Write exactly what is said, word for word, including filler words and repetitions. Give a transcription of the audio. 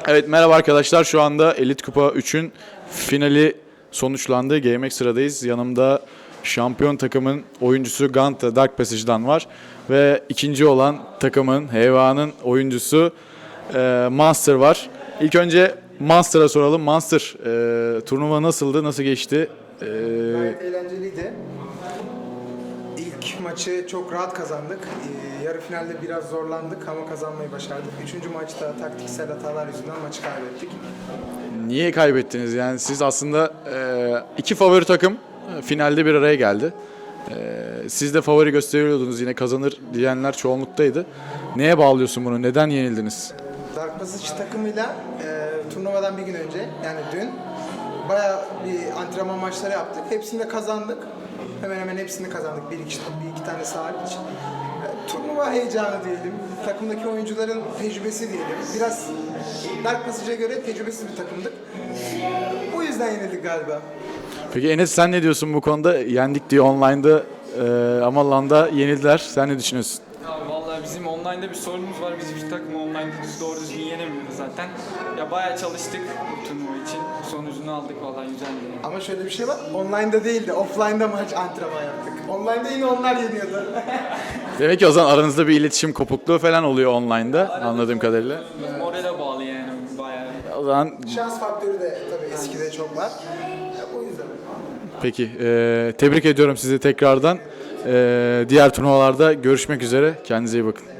Evet, merhaba arkadaşlar. Şu anda Elite Kupa üçün finali sonuçlandı. G M X sıradayız. Yanımda şampiyon takımın oyuncusu Ganta Dark Passage'dan var. Ve ikinci olan takımın, Heva'nın oyuncusu e, Monster var. İlk önce Monster'a soralım. Monster, e, turnuva nasıldı, nasıl geçti? E, Gayet eğlenceliydi. İlk maçı çok rahat kazandık. Ee, yarı finalde biraz zorlandık ama kazanmayı başardık. Üçüncü maçta taktiksel hatalar yüzünden maçı kaybettik. Niye kaybettiniz? Yani siz aslında e, iki favori takım e, finalde bir araya geldi. E, siz de favori gösteriyordunuz, yine kazanır diyenler çoğunluktaydı. Neye bağlıyorsun bunu? Neden yenildiniz? Dark Passage takımıyla e, turnuvadan bir gün önce, yani dün bayağı bir antrenman maçları yaptık. Hepsinde kazandık. Hemen hemen hepsini kazandık. Bir iki, bir iki tane hariç. E, turnuva heyecanı diyelim. Takımdaki oyuncuların tecrübesi diyelim. Biraz Dark Passage'a göre tecrübesiz bir takımdık. Bu yüzden yenildik galiba. Peki Enes, sen ne diyorsun bu konuda? Yendik diye online'da e, ama LAN'da yenildiler. Sen ne düşünüyorsun? Ya vallahi bizim online'da bir sorunumuz var. Biz bir takımı online'da doğru düzgün yenemiyoruz zaten. Ya bayağı çalıştık bu turnuva için. Sonucunu aldık vallahi, güzeldi. Ama şöyle bir şey var. Online'da değil de offline'da maç antrenman yaptık. Online'da yine onlar yeniyordu. Demek ki o zaman aranızda bir iletişim kopukluğu falan oluyor online'da, anladığım kadarıyla. Morale bağlı yani bayağı. O zaman Şans faktörü de tabii eskide çok var. Ya, o yüzden. peki, e, tebrik ediyorum sizi tekrardan. E, diğer turnuvalarda görüşmek üzere. Kendinize iyi bakın.